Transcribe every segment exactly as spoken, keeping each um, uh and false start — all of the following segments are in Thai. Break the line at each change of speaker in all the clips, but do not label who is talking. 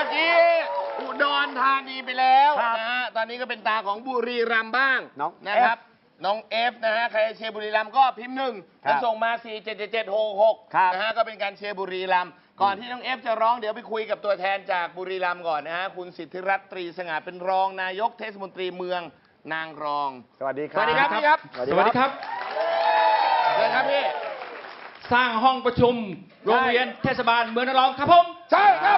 มื่อกี้อุดรธานีไปแล้วนะฮะตอนนี้ก็เป็นตาของบุรีรัมย์บ้างนะครับน้องเอฟนะฮะใครเชียร์บุรีรัมย์ก็พิมพ์หนึ่งแล้วส่งมาสี่เจ็ดเจ็ดเจ็ดหกหกนะฮะก็เป็นการเชียร์บุรีรัมย์ก่อนที่น้องเอฟจะร้องเดี๋ยวไปคุยกับตัวแทนจากบุรีรัมย์ก่อนนะฮะคุณสิทธิรัตน์ตรีสง่าเป็นรองนายกเทศมนตรีเมืองนางรอง
สวัสดีครับ
สวัสดีครับพี่ครับ
สวัสดีครับ
เลยครับพี่
สร้างห้องประชุมโรงเรียนเทศบาลเมืองนางรองครับผม
ใช่ครับ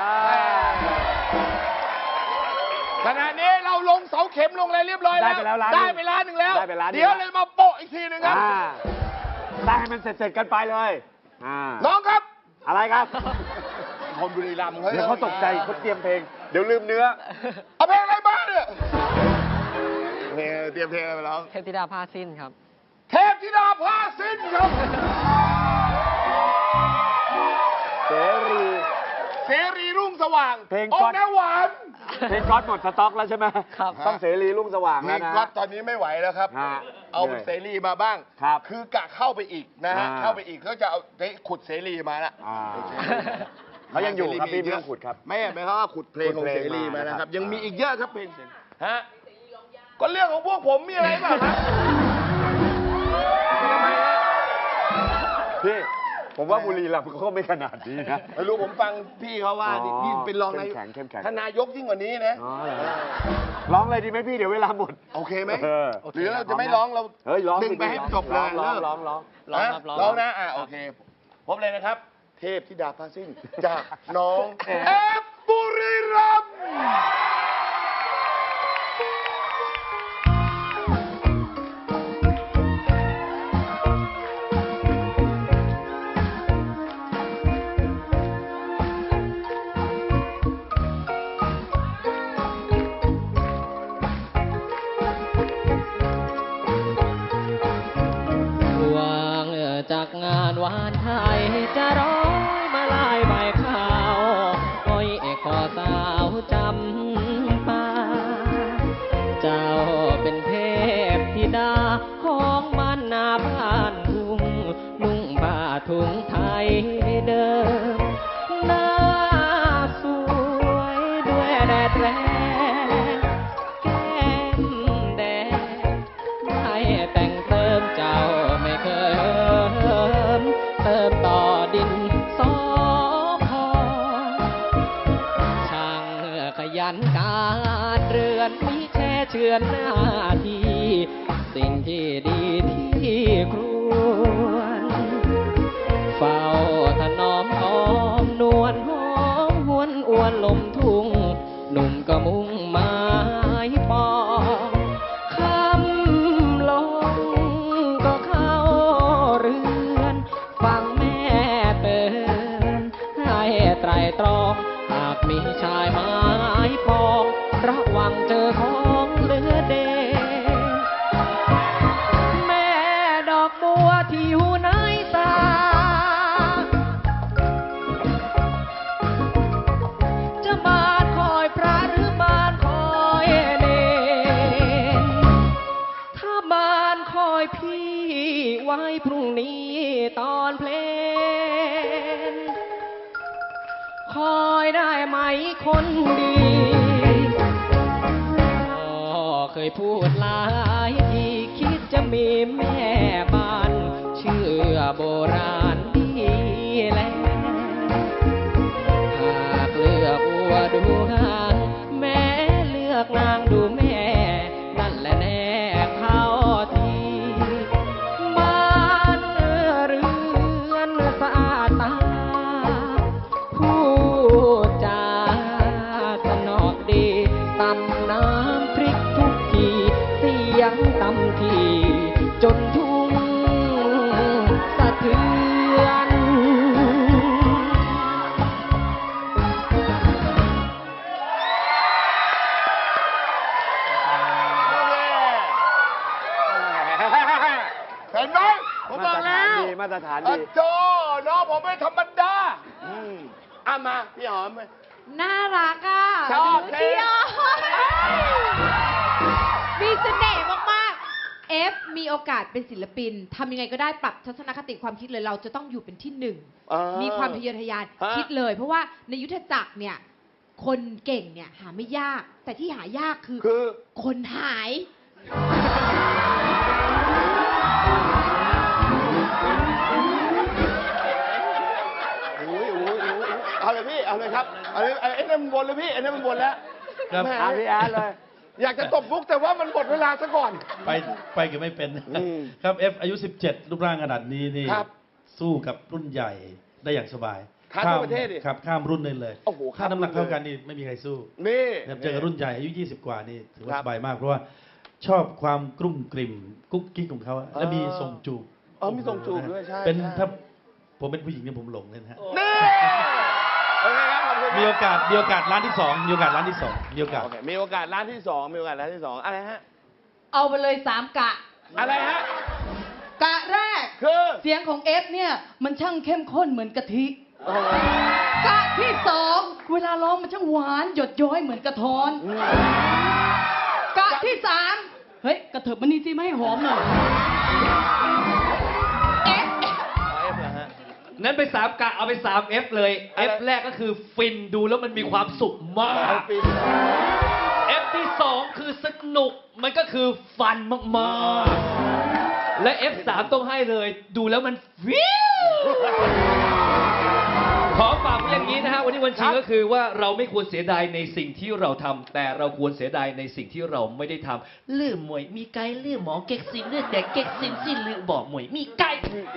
ขณะนี้เราลงเสาเข็มลงอะไรเรียบร้อยแล้วได้ไปล้านหนึ่งแล้วเดี๋ยวเลยมาโปะอีกทีหนึ่งครับ
ได้ให้มันเสร็จๆกันไปเลย
น้องครับ
อะไรครับ
คนบุรีรัมย์
เดี๋ยวเขาตกใจเขาเตรียมเพลงเดี๋ยวลืมเนื้อ
เอาเพลงอะไรบ้างเนี่ยเพลงเตรียมเพลงอะไรไปร้อง
เทพธิดาผ้าสิ้นครับ
เทพธิดาผ้าสิ้นครับ
เสรี
เสรีรุ่งสว่าง
เพลง
ก๊อตแม่หวาน
เพลงก๊อตหมดสต็อกแล้วใช่ไหม
ครับ
ต้องเสรีรุ่งสว่างแล้วนะ
ก๊อตตอนนี้ไม่ไหวแล้วครับเอาเสรีมาบ้างคือกะเข้าไปอีกนะฮะเข้าไปอีกเขาจะเอาขุดเสรีมาละ
เขายังอยู่ครับพี่ไม่ต้องขุดครับ
ไม่ไม่เขาขุดเพลงของเสรีมานะครับยังมีอีกเยอะครับเพลงฮะก็เรื่องของพวกผมมีอะไรบ้างครับ
พี่ผมว่าบุรีรัมย์เขาไม่ขนาดนี้นะ
ไม่รู้ผมฟังพี่เขาว่าพี่เป็นรองนายกท่านนายกยิ่งกว่านี้นะ
ร้องเลยดีไหมพี่เดี๋ยวเวลาหมด
โอเคไหมหรือเราจะไม่ร้องเราดึงไปให้จบเลย
ร้องร้องร้อง
ร้องร้องนะอ่ะโอเคพบเลยนะครับเทพธิดาผ้าสิ้นจากน้องเอฟบุรีรัมย์
จากงานวานไทยจะร้อยมาลายใบข้าวอ้อยคอสาวจำปาเจ้าเป็นเทพธิดาของบ้านนาบ้านทุ่งนุ่งผ้าถุงไทยเดิมหน้าสวยด้วยแดดแรงแก้มแดงได้แต่งเติมเจ้าไม่เคยเติมต่อดินสอพอช่างขยันการเรือนมีแช่เชือนหน้าที่สิ่งที่ดีที่ครวนเฝ้าถนอมหอมนวลหอมหวนอวนลมทุ่งหนุ่มก็มุ่งหมายปองคำลงก็เข้าเรือนฟังแม่เตือนให้ไตรตรองหากมีชายไม้ปองระวังเจอของเหลือเดแม่ดอกบัวที่อยู่ในตาจะบานคอยพระหรือบานคอยเนรถ้าบานคอยพี่ไว้พรุ่งนี้ตอนเพลงคอยได้ไหมคนดีเคยพูดหลายทีคิดจะมีแม่บ้านเชื่อโบราณดีแล้วหากเลือกวัวดูหางแม่เลือกนางดูแม่นั่นแหละแน่เข้าทีบ้านเรือนสะอาดตาผู้จาสนอดีตำน้ำพริกทุกทีเสียงตำทีจนทุ่งสะเทือน
เห็นไหมผมบอกแล้ว
มาตรฐานดี
โจ้น้องผมไม่ธรรมดาอ่ะมาพี่หอม
น่ารักอ่ะ
ชอบเพลง
มีเสน่ห์มากๆเอฟมีโอกาสเป็นศิลปินทำยังไงก็ได้ปรับทัศนคติความคิดเลยเราจะต้องอยู่เป็นที่หนึ่งมีความทะเยอทะยานคิดเลยเพราะว่าในยุทธจักรเนี่ยคนเก่งเนี่ยหาไม่ยาก แต่ที่หายากคือ
คือ
คนหาย
โอ้ยโอ้ยโอ้ยเอาเลยพี่ เอาเลยครับ เอาเลยไอ้นั่นมันบนเลยพี่ไอ้นั่นมันบนแล้ว
ครับ
แหม
อ่ะพี่แอดเลย
อยากจะตบมุกแต่ว่ามันหมดเวลาซะก่อน
ไปไปก็ไม่เป็น
อืม
ครับเอฟอายุ สิบเจ็ด รูปร่างขนาดนี้นี่
ครับ
สู้กับรุ่นใหญ่ได้อย่างสบาย
ท้าทั่วประเทศดิ
ครับข้ามรุ่นได้เลย
โอ้โห
ถ้าน้ำหนัก
ข้ามรุ่น
เท่ากันนี่ไม่มีใครสู้
นี่
นะครับเจอกับรุ่นใหญ่อายุ ยี่สิบ กว่านี่ถือว่า
ครับ
สบายมากเพราะว่าชอบความกรุ่มกริ่มกุ๊กกิ๊กของเขาอะและมีทรงจูบ
เออมีทรงจูบด้วยใช่
เป็น
ใช่
ถ้าผมเป็นผู้หญิงเนี่ยผมหลงเลยนะฮะ
นี่โอเคครับขอบคุณ
มีโอกาสมีโอกาสร้านที่สองมีโอกาสร้านที่สองมีโอกาส
โอเคมีโอกาสร้านที่สองมีโอกาสร้านที่สองอะไรฮะ
เอาไปเลยสามกะ
อะไรฮะ
กะแรก
คือ
เสียงของเอฟเนี่ย มันช่างเข้มข้นเหมือนกะทิ
โอ้โห
กะที่สองเวลาร้องมันช่างหวานหยดย้อยเหมือนกระท้อน กะที่สามเฮ้ย กระเถิบมานี่สิไม่ให้หอมหน่อย
เอฟ
เอาเอฟเหรอฮะ
นั้นไปสามกะเอาไปสามเอฟเลย
อะไร
F แรกก็คือฟินดูแล้วมันมีความสุขมาก
ปี
F ที่สองคือสนุกมันก็คือฟันมากๆ และ F สามต้องให้เลย ดูแล้วมันวิวขอฝากไว้อย่างนี้นะฮะวันนี้วันชิงก็คือว่าเราไม่ควรเสียดายในสิ่งที่เราทำแต่เราควรเสียดายในสิ่งที่เราไม่ได้ทำเลื่อมวยมีไกเลื่อหมอเก็กซินเลือดแดกเก็กซินสิ้นลือบอกมวยมีไก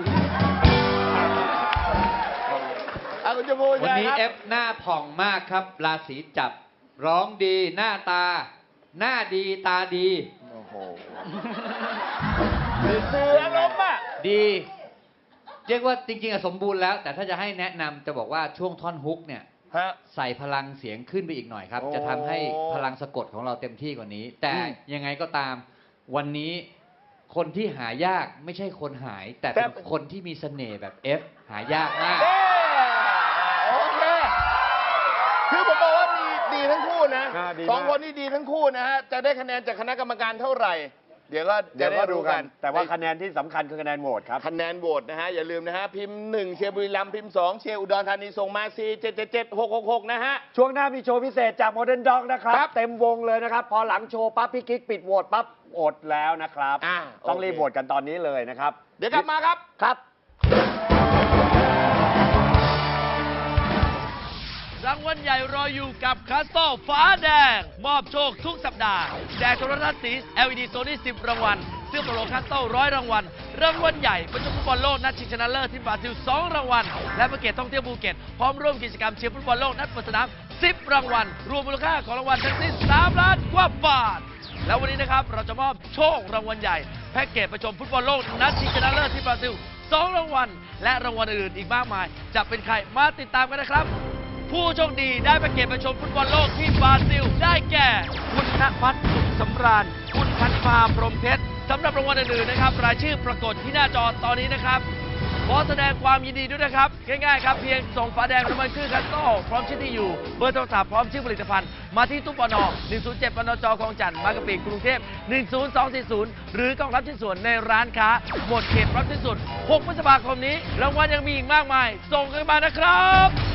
เอาคุณจมูก
วันนี้
ใช่
เอ
ครับ
ฟหน้าผ่องมากครับ ราศีจับ ร้องดีหน้าตา หน้าดีตาดี
โอ้โหสื่ออารมณ์อ่ะ
ดี เรียกว่าจริงๆอะสมบูรณ์แล้ว แต่ถ้าจะให้แนะนำจะบอกว่าช่วงท่อนฮุกเนี่ย
ฮะ
ใส่พลังเสียงขึ้นไปอีกหน่อยครับ
โอ้
จะทำให้พลังสะกดของเราเต็มที่กว่านี้ แต่
อืม
ยังไงก็ตามวันนี้คนที่หายากไม่ใช่คนหาย แต่
แต่
เป็นคนที่มีเสน่ห์แบบเอฟหายากมาก
เอ้โอเค คือผมบอกว่าดีดีทั้งคู่นะ
อ่าดี
สอง
มาก
คนนี่ดีทั้งคู่นะฮะ จะได้คะแนนจากคณะกรรมการเท่าไหร่ เดี๋ยวก็จะ
เดี๋ยว
ได้
ก็ดู
รู้
กั
กัน น
แต่ว่าคะแนนที่สำคัญคือคะแนนโหวตครับ
คะแนนโหวตนะฮะ อย่าลืมนะฮะ พิมพ์หนึ่งเชียร์บุรีรัมย์พิมพ์สองเชียร์อุดรธานีส่งมาสี่เจ็ดเจ็ดเจ็ดหกหกหกนะฮะ
ช่วงหน้ามีโชว์พิเศษจากโมเดิร์นด็อกนะครับ
ครับ
เต็มวงเลยนะครับ พอหลังโชว์ปั๊บพี่กิ๊กปิดโหวตปั๊บอดแล้วนะครับ
อ่า
ต้อง
โอเค
รีบโหวตกันตอนนี้เลยนะครับ
เดี๋ยวกลับมาครับ
ครับ
รางวัลใหญ่รออยู่กับคาสโตฟ้าแดง มอบโชคทุกสัปดาห์แจกโทรทัศน์สี แอล อี ดี Sony สิบ รางวัลเสื้อโปโลคาสโตร้อยรางวัลรางวัลใหญ่ประจำฟุตบอลโลกนัดชิงชนะเลิศที่บราซิลสองรางวัลและแพ็กเกจท่องเที่ยวภูเก็ตพร้อมร่วมกิจกรรมเชียร์ฟุตบอลโลกนัดเปิดสนามสิบ รางวัลรวมมูลค่าของรางวัลทั้งสิ้นสามล้านกว่าบาท แล้ววันนี้นะครับเราจะมอบโชครางวัลใหญ่แพ็กเกจประชมฟุตบอลโลกนัดชิงชนะเลิศที่บราซิลสองรางวัลและรางวัลอื่นๆอีกมากมายจะเป็นใครมาติดตามกันนะครับ ผู้โชคดีได้ไปเก็บไปชมฟุตบอลโลกที่บราซิล ได้แก่ คุณณพัฒน์สุขสำราญ คุณพันฟาพรหมเพชรสำหรับรางวัลอื่นๆนะครับ รายชื่อปรากฏที่หน้าจอตอนนี้นะครับ ขอแสดงความยินดีด้วยนะครับ ง่ายๆครับ เพียงส่งฝาแดงน้ำมันพืชคัสโต้พร้อมชื่อที่อยู่ เบอร์โทรศัพท์พร้อมชื่อผลิตภัณฑ์ มาที่ตู้ปนหนึ่งศูนย์เจ็ดปนจคลองจันทร์บางกะปิกรุงเทพหนึ่งศูนย์สองสี่ศูนย์หรือกล่องรับชิ้นส่วนในร้านค้า หมดเขตรับชิ้นส่วนหกพฤษภาคมนี้รางวัลยังมีอีกมากมาย ส่งกันมานะครับ